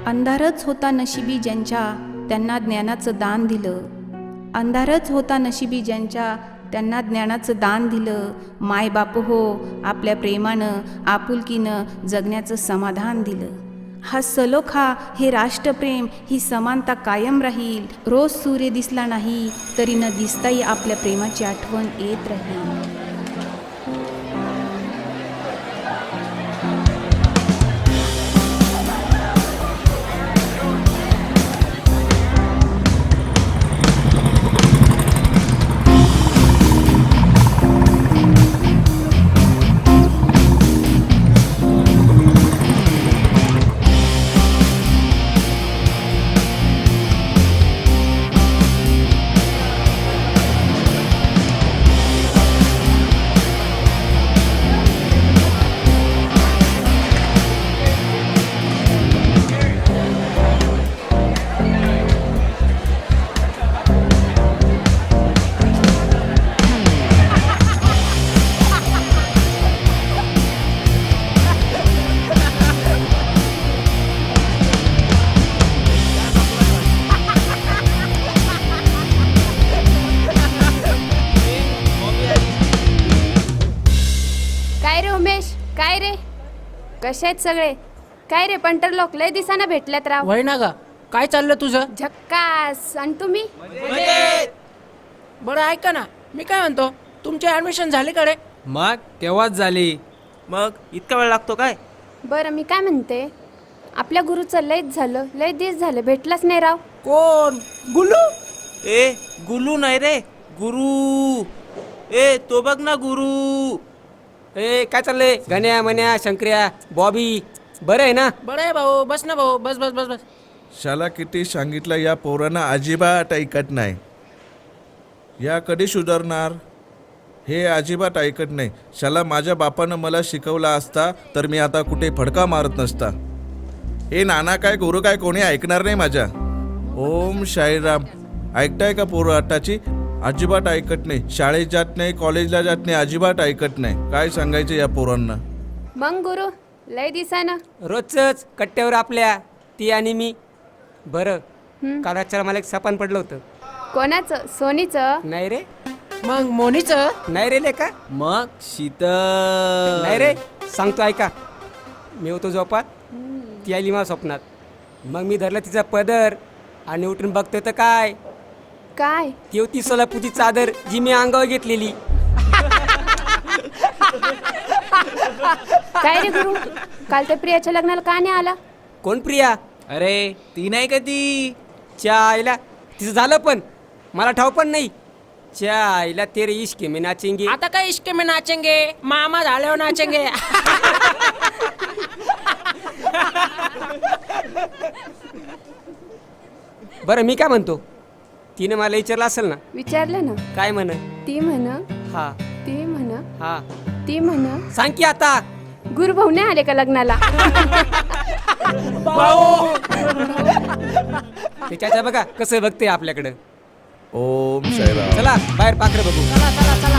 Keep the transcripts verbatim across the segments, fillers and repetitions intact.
अंधारच होता नशिबी ज्यांच्या त्यांना ज्ञानाचं दान दिलं. अंधारच होता नशिबी ज्यांच्या त्यांना ज्ञानाचं दान दिलं. माय बाप हो आपल्या प्रेमानं आपुलकीनं जगण्याचं समाधान दिलं. हा सलोखा, हे राष्ट्रप्रेम, ही समानता कायम राहील. रोज सूर्य दिसला नाही तरी न दिसताही आपल्या प्रेमाची आठवण येत राहील. काय रे, कसे आहेत सगळे? काय रे पंटर लोक लय दिसाना भेटल्यात राव. वय ना गा, काय चाललं तुझं? झक्कास. आणि तुम्ही? बरं ऐका ना, मी काय म्हणतो, तुमचे ऍडमिशन झाले का रे? मग तेव्हाच झाली. मग इतका वेळ लागतो काय? बरं मी काय म्हणते, आपल्या गुरुचं लयच झालं, लय दिस झालं भेटलाच नाही राव. कोण? गुल्लू? ए गुलू नाही रे, गुरु. ए तो बघ ना गुरु. ए काय चाललंय? गण्या मन्या शंकर्या बॉबी बरं आहे ना? बरं आहे भाऊ, बस ना भाऊ, बस बस बस बस. शाला किती सांगितलं, या पोरांना अजिबात ऐकत नाही. या कधी सुधारणार? हे अजिबात ऐकत नाही. शाला माझ्या बापानं मला शिकवला असता तर मी आता कुठे फडका मारत नसता. हे नाना काय गुरु काय कोणी ऐकणार नाही माझ्या. ओम साईराम. ऐकताय का पोरं आताची? अजिबात ऐकत नाही. शाळेत जात नाही, कॉलेजला जात नाही, अजिबात ऐकत नाही. काय सांगायचं या पोरांना? मग गुरु लय दिसाना रोजच कट्ट्यावर आपल्या ती आणि मी. बरं काल रातच्याला मला एक सपान पडलं होतं. कोणाचं? सोनीचं? नाही रे, मग मोनीचं? नाही रे लेका, मग शीतल? नाही रे, सांगतो ऐका. मी होतो झोपात, ती आली मला स्वप्नात. मग मी धरलं तिचा पदर आणि उठून बघतोय तर काय, काय? ती होती सोलापूरची चादर जी मी अंगावर घेतलेली. काय रे गुरु, काल त्या प्रियाच्या लग्नाला का नाही आला? कोण प्रिया? अरे ती नाही का ती? च्या आईला तिचं झालं पण मला ठाव पण नाही. च्या आईला तेरे इश्क में नाचेंगे. आता काय इश्क में नाचेंगे, मामा झाल्यावर नाचेंगे. बरं मी काय म्हणतो, तिने मला विचारलं असेल ना? विचारलं ना. काय म्हण? ती म्हण, हा ती म्हण, हा ती म्हण. सांग की आता. गुरुभाऊ नाही आले का लग्नाला? त्याच्या बघा कसं बघते आपल्याकडं. ओम साईराम. चला बाहेर पाखरं बघू. चला चला चला.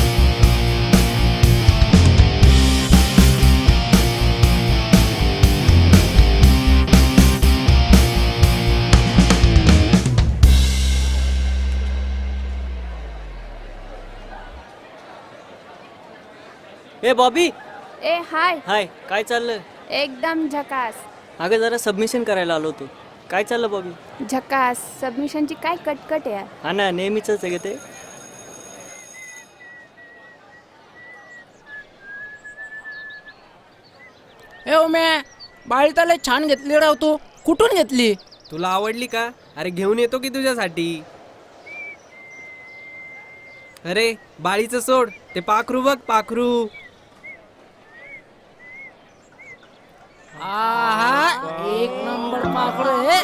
ए बॉबी. ए हाय. हाय, काय चाललं? एकदम झकास. अगं जरा सबमिशन करायला आलो होतो. काय चाललं बॉबी? झकास. सबमिशनची काय कटकट आहे यार. हा ना, नेहमीच आहे ते. ए उम्या, बाळी तर लय छान घेतली राव तू. कुठून घेतली? तुला आवडली का? अरे घेऊन येतो की तुझ्यासाठी. अरे बाळीचं सोड, ते पाखरू बघ, पाखरू. आहा, एक नंबर पाखरू आहे.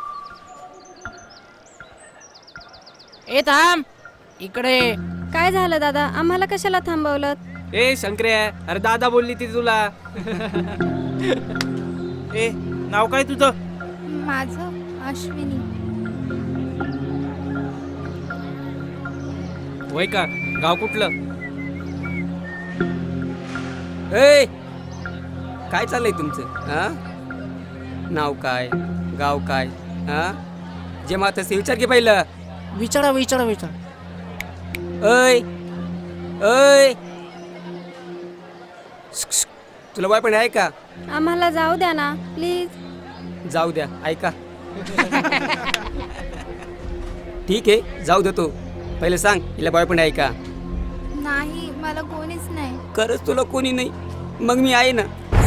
ए थांब इकडे. काय झालं दादा, आम्हाला कशाला थांबवलं? ए शंकर्या, अरे दादा बोलली ती तुला. ए नाव काय तुझं? माझं अश्विनी. वय का? गाव कुठलं? ए काय चाललंय तुमचं? हा नाव काय गाव काय हा जे मात ते विचार की पहिलं. विचारा विचारा विचारा. अय अय श्क, श्क. तुला बाय पण आहे का? आम्हाला जाऊ द्या ना प्लीज. जाऊ द्या ऐका. ठीक आहे जाऊ देतो. पहिले सांग हिला बॉयफ्रेंड आहे का? नाही मला कोणीच नाही. खरंच तुला कोणी नाही? मग मी आहे ना.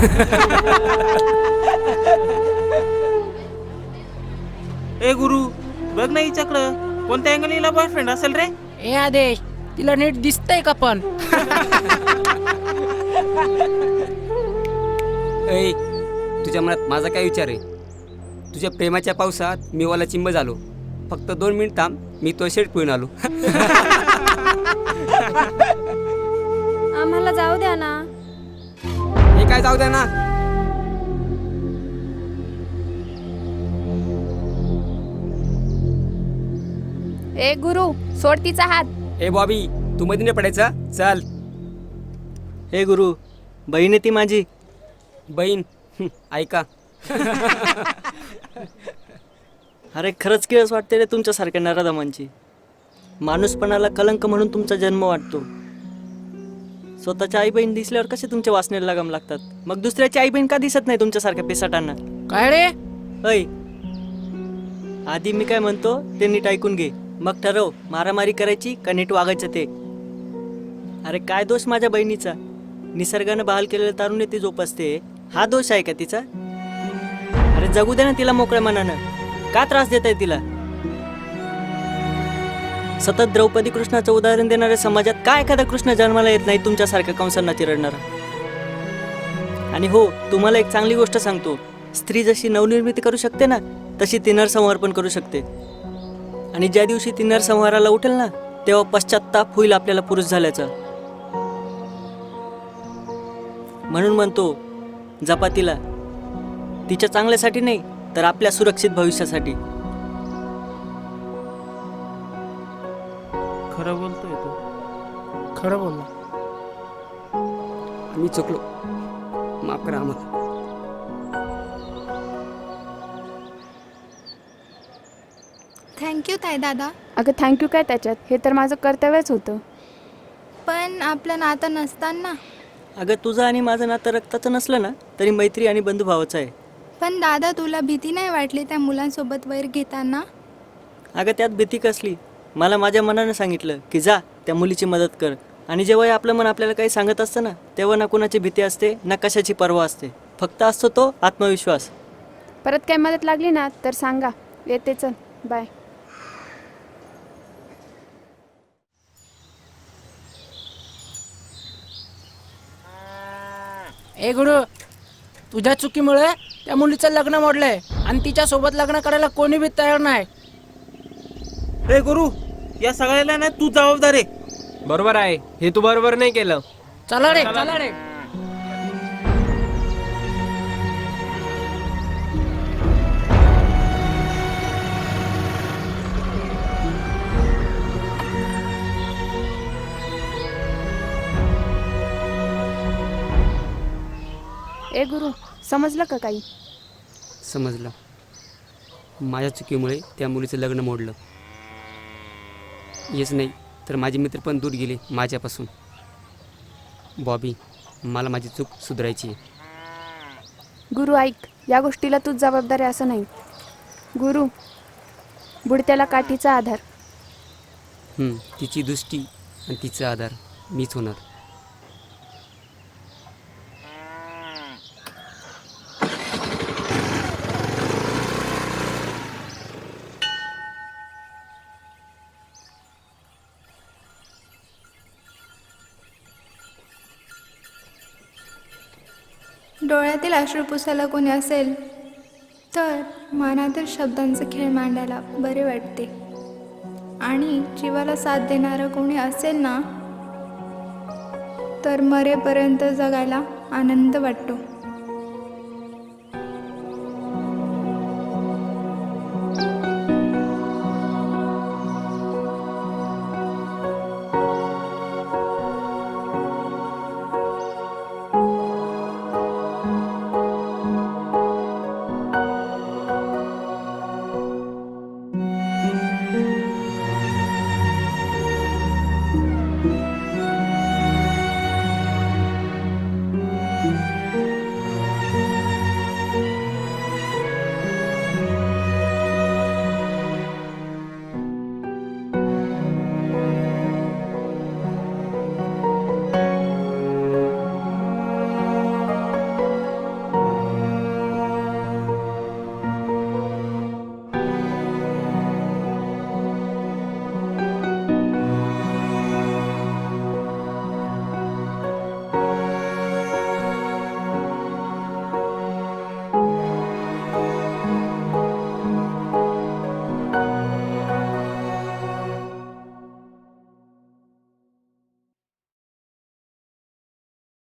ए गुरु बघ ना हिच्याकडं कोणत्या अँगल हिला बॉयफ्रेंड असेल रे. ए आदेश तिला नीट दिसतंय का पण? ऐ तुझ्या मनात माझा काय विचार आहे? तुझ्या प्रेमाच्या पावसात मी वाला चिंब झालो. फक्त दोन मिनिट थांब मी तो शेट पिऊन आलो. आम्हाला जाऊ द्या ना. हे काय जाऊ द्या ना. ए गुरु सोड तिचा हात. ए बॉबी तू मध्ये नाही पडायचा. चल. हे गुरु बहीण आहे ती माझी. बहीण हं, ऐका. अरे खरंच किळस वाटते रे तुमच्यासारख्या नराधमांची. माणूसपणाला कलंक म्हणून तुमचा जन्म वाटतो. स्वतःच्या आई बहीण दिसल्यावर कसे तुमच्या वासनेला लगाम लागतात. मग दुसऱ्याची आई बहीण का दिसत नाही तुमच्यासारख्या पिसाटांना? काय रे? ऐ आधी मी काय म्हणतो ते नीट ऐकून घे. मग ठरव मारामारी करायची का नीट वागायचं ते. अरे काय दोष माझ्या बहिणीचा? निसर्गानं बहाल केलेलं तारुण्य ती जोपासते. हा दोष आहे का तिचा? अरे जगू दे ना तिला मोकळ्या मनानं. का त्रास देत आहे तिला? सतत द्रौपदी कृष्णाचं उदाहरण देणाऱ्या समाजात काय एखादा कृष्ण जन्माला येत नाही तुमच्यासारख्या कंसांना चिरडणारा? आणि हो तुम्हाला एक चांगली गोष्ट सांगतो. स्त्री जशी नवनिर्मिती करू शकते ना तशी ती नरसंहार पण करू शकते. आणि ज्या दिवशी ती नरसंहाराला उठेल ना तेव्हा पश्चात्ताप होईल आपल्याला पुरुष झाल्याचा. म्हणून म्हणतो जपा तिला. तिच्या चांगल्यासाठी नाही तर आपल्या सुरक्षित भविष्यासाठी. खरं बोलतोय तू. खरं बोलला. मी चुकलो. माफ करा आम्हाला. थँक्यू ताई दादा. अगं थँक्यू काय त्याच्यात, हे तर माझं कर्तव्यच होतं. पण आपलं नातं नसताना. अगं तुझं आणि माझं नातं रक्ताचं नसलं ना तरी मैत्री आणि बंधुभावाचं आहे. पण दादा तुला भीती नाही वाटली त्या मुलांसोबत वैर घेताना? अगं त्यात भीती कसली? मला माझ्या मनानं सांगितलं की जा त्या मुलीची मदत कर. आणि जेव्हा आपलं मन आपल्याला काही सांगत असतं ना तेव्हा ना कुणाची भीती असते ना कशाची पर्वा असते. फक्त असतो तो आत्मविश्वास. परत काय मदत लागली ना तर सांगा. येते चल बाय. ए गुरु तुझ्या चुकीमुळे त्या मुलीचं लग्न मोडलंय आणि तिच्या सोबत लग्न करायला कोणी बी तयार नाही. ए गुरु या सगळ्याला ना तू जबाबदार आहे. बरोबर आहे. हे तू बरोबर नाही केलं. चला रे चला रे. ए गुरु समजलं का काही? समजलं. माझ्या चुकीमुळे त्या मुलीचं लग्न मोडलं. हेच नाही तर माझे मित्र पण दूर गेले माझ्यापासून. बॉबी मला माझी चूक सुधारायची आहे. गुरु ऐक, या गोष्टीला तूच जबाबदार आहे असं नाही. गुरु बुडत्याला काठीचा आधार. हं, तिची दृष्टी आणि तिचा आधार मीच होणार. डोळ्यातील अश्रू पुसायला कोणी असेल तर मनातील शब्दांचे खेळ मांडायला बरे वाटते. आणि जीवाला साथ देणारं कोणी असेल ना तर मरेपर्यंत जगायला आनंद वाटतो.